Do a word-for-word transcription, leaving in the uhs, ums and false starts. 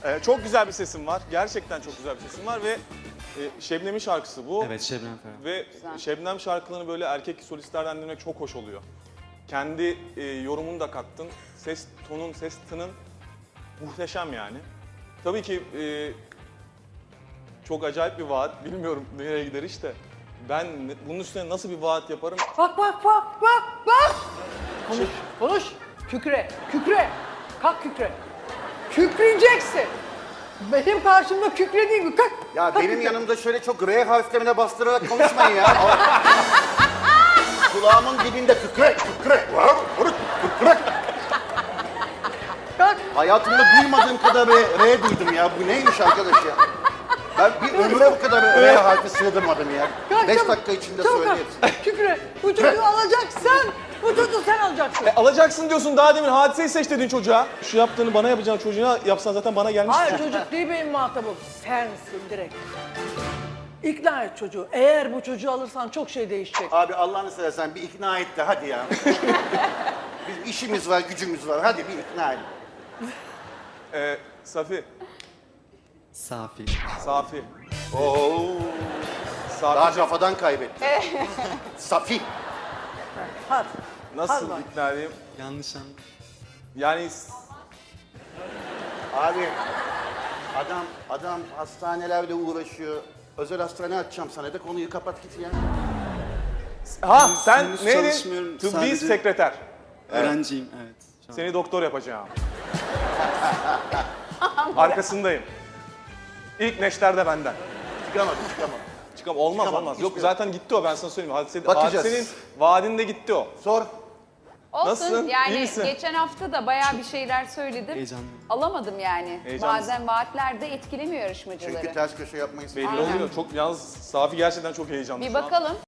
Ee, çok güzel bir sesin var. Gerçekten çok güzel bir sesin var ve e, Şebnem'in şarkısı bu. Evet, Şebnem Ferah. Ve Güzel. Şebnem şarkılarını böyle erkek solistlerden dinlemek çok hoş oluyor. Kendi e, yorumunu da kattın. Ses tonun, ses tının muhteşem yani. Tabii ki e, çok acayip bir vaat. Bilmiyorum nereye gider işte. Ben bunun üstüne nasıl bir vaat yaparım? Bak bak bak bak bak. Konuş, konuş. Kükre, kükre. Kalk kükre. Kükreyeceksin. Benim karşımda kükre değil mi? Kalk. Ya kalk benim kükre. yanımda şöyle çok R harflerine bastırarak konuşmayın ya. Kulağımın dibinde kükre, kükre, kükre. Kalk. Hayatımda duymadığım kadar R, R duydum ya. Bu neymiş arkadaş ya? Ben bir ömre bu kadar R harfi sığdırmadım ya. Kalk, Beş çabuk. dakika içinde Çabuk söyle kalk. hepsini. Kükre. Bu çocuğu alacaksın. Bu çocuğu sen alacaksın. E, alacaksın diyorsun daha demin hadiseyi seç dedin çocuğa. Şu yaptığını bana yapacağın çocuğuna yapsan zaten bana gelmiş. Hayır çocuk değil benim muhatabım. Sensin direkt. İkna et çocuğu. Eğer bu çocuğu alırsan çok şey değişecek. Abi Allah'ını seversen bir ikna et de hadi ya. Bizim işimiz var, gücümüz var. Hadi bir ikna et. Ee, Safi, Safi. Safi. Oo. Safi. Daha kafadan kaybettim. Safi. Hadi. Nasıl Hadi bak. ikna edeyim? Yanlış anladım. Yani Abi adam adam hastanelerde uğraşıyor. Özel hastane açacağım sana da konuyu kapat git ya. ha sen henüz neydin? çalışmıyorum, Tıbbi sadece- sekreter. Öğrenciyim, evet. Şu an. Seni doktor yapacağım. Arkasındayım. İlk neşter de benden. Çıkamadım çıkamadım. Çıkam olmaz Çıkamam, olmaz. Yok hiçbir- zaten gitti o ben sana söyleyeyim. Hadise, Bakacağız. hadisenin vaadinde gitti o. Sor. Olsun Nasılsın? İyi yani misin? geçen hafta da bayağı bir şeyler söyledim. Heyecanlıyım. Alamadım yani. Heyecanlısın. Bazen vaatler de etkilemiyor yarışmacıları. Çünkü ters köşe yapmayı Belli Aynen. oluyor. Çok yalnız Safi gerçekten çok heyecanlı Bir şu an. bakalım.